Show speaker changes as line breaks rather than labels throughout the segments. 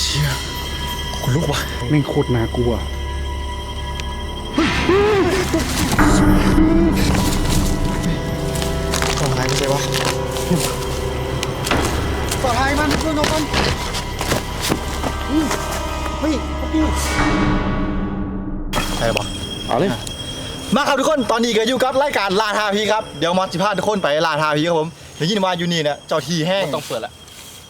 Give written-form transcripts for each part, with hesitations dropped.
ชี่ยคนลุกว่ะ
แม่งโคตรน่ากลัว
ปลอดภัยไม่ใช่วะปลอดภัยมันเพื่อนมันเฮ้ยพี่ใช่ปะ
เอาเลย
มาครับทุกคนตอนนี้ก็อยู่กับรายการลาทาพีครับเดี๋ยวมอสสิพาทุกคนไปลาทาพีครับผมได้ยินว่าอยู่นี่เนี่ยเจ้าทีแห้ง
ต้องเปิดละ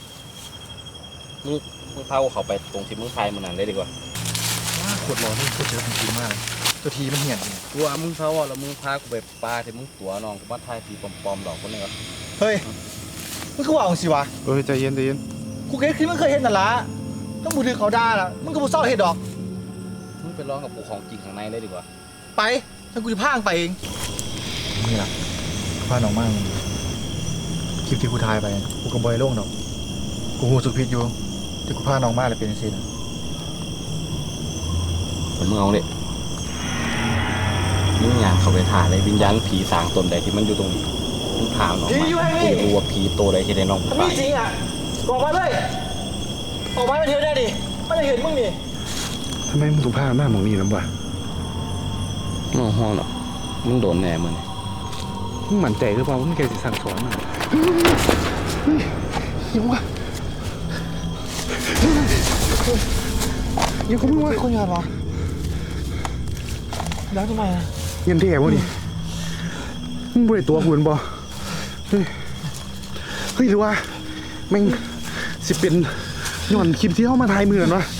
มึงพาเขาไปตรงที่มึงพายมันนั่นได้ดีกว่า
ขวดร้อนนี่ขวดเยอะจริงมากเจ้าทีมันเหี่ยน
กูว่ามึงพาว่าแล้วมึงพากูไปปลาที่มึงตัวน้องกูมาทายทีปลอมๆดอกคนนี้วะ
เฮ้ยมึงก็ว่าของสิวะ
ใจเย็นใจเย็น
กูคิดมึงเคยเห็นนั่นละต้องบูถือเขาด่าละมึงก็บูเศร้าเห็ดดอก
มึงไปร้องกับปู่ของจริงข้างในได้ดีกว่า
ไปถ้ากูจะพางไปเองนี่แหละพาน้องมากคลิปที่กูถ่ายไปกูกับบอยโล่งดอกกูหูสุดพิษอยู่ที่กูพาน้องมากเลยเป็นสินะ
มึงเอาเนี่ยมึงอยากเข้าไปถ่ายเลยวิญญาณผีสางตนใดที่มันอยู่ตรงนี้มึงถามน้องมากูจะรู้ว่าผีตัวใดที่ได้น้อง
มีจริงอ่ะบอกมาเลยออกมาเที่ยวได้ดิไม่ได้เห็นมึงนี่
ทำไมมึงถูกพาหน้าหมองนี่ลำบาก
มึงห้องหรอมึงโดนแน่มึง
หมั่นใจหรือเปล่ามึงแกจะสั่งสอนมันยังวะยังเขาไม่ว่า
คนงานวะแล้วทำไมอ่ะ
ยันเท่วะนี่มึงบริตัวหุ่นบ่เฮ้ยหรือว่าแม่งสิเป็นย้อนคลิปที่เข้ามาถ่ายมือกันวะ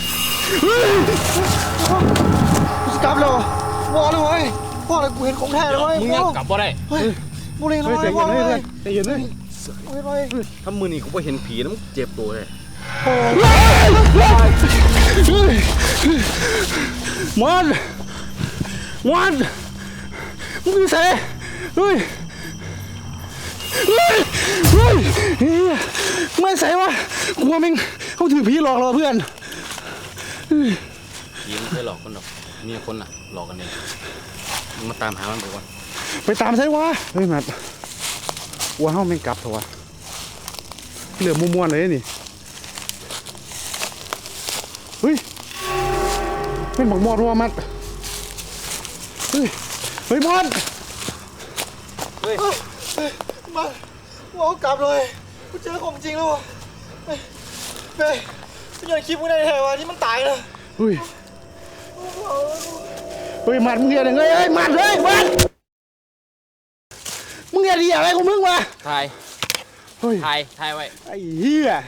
สกับเลยวอเลยเว้ยพ่อเลยกูเห็นของแท้เลยเว้ย
มึงยังกลับบ่ได้
เฮ้ยบุรีเลยพ่อเลย
ใจเย็นเลย
ถ้ามือนี่กูไปเห็นผีแล้วมึงเจ็บตัวเลย
มันมึงดูเซ่เฮ้ยไม่ใส่วะกลัวแม่งเขาถือผีหลอกเราเพื่อน
ผีไม่เคยหลอกคนหรอกมีคนน่ะหลอกกันเองมึงมาตามหามันไปก่อน
ไปตามใช่วะเฮ้ยนัดวัวเฮาแม่งกลับเถอะวะเหลือม้วนๆเลยนี่เฮ้ยเป็นบักมอดรัวมัดเฮ้ยมอด
มาว้าวกลับเลยกูเจอของจริงแล้วเฮ้ยกูยังคิดมึงได้แถวที่มันตายเลย
เฮ้ยมัดมึงเรียนยังไงเฮ้ยมัดมึงเรียนดีอะไรของมึงวะ
ถ่ายไว้
ไอ้เหี้ย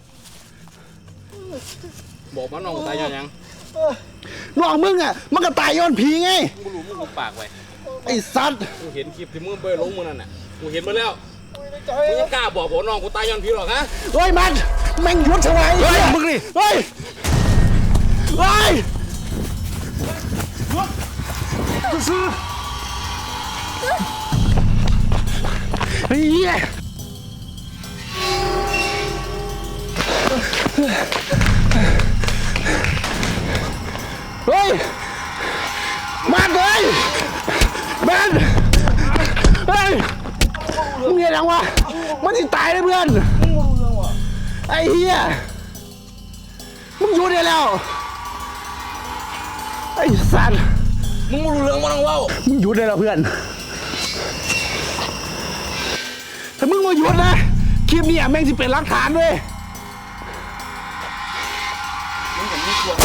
บอกมันน้องตายยัง
น้องมึงอ่ะมันก็ตายย้อนผีไง
กูรู้มึงปากไว้
ไอ้สัตว์
กูเห็นคลิปที่มึงไปลงมึงนั่นน่ะกูเห็นมาแล้วมึงยังกล้าบอกผมน้องกูตายย้อนผีหรอกฮะ
เฮ้ยมันแม่งยุดสวาย
มึงนี่
เฮ้ยซื้อเฮ้ยเฮ้ยมาเลยมันเฮ้ยมึงเห็นยังวะมันจะตายเลยเพื่อนไอ้เหี้ยมึงอยู่ได้แล้วไอ้สัตว์
มึงไม่รู้เรื่องมันต้องเล่า
มึงหยุดได้แล้วเพื่อนถ้ามึงมาหยุดนะคลิปนี้แม่งจะเป็นหลักฐานด้วยมึงเห็นมึงกลัว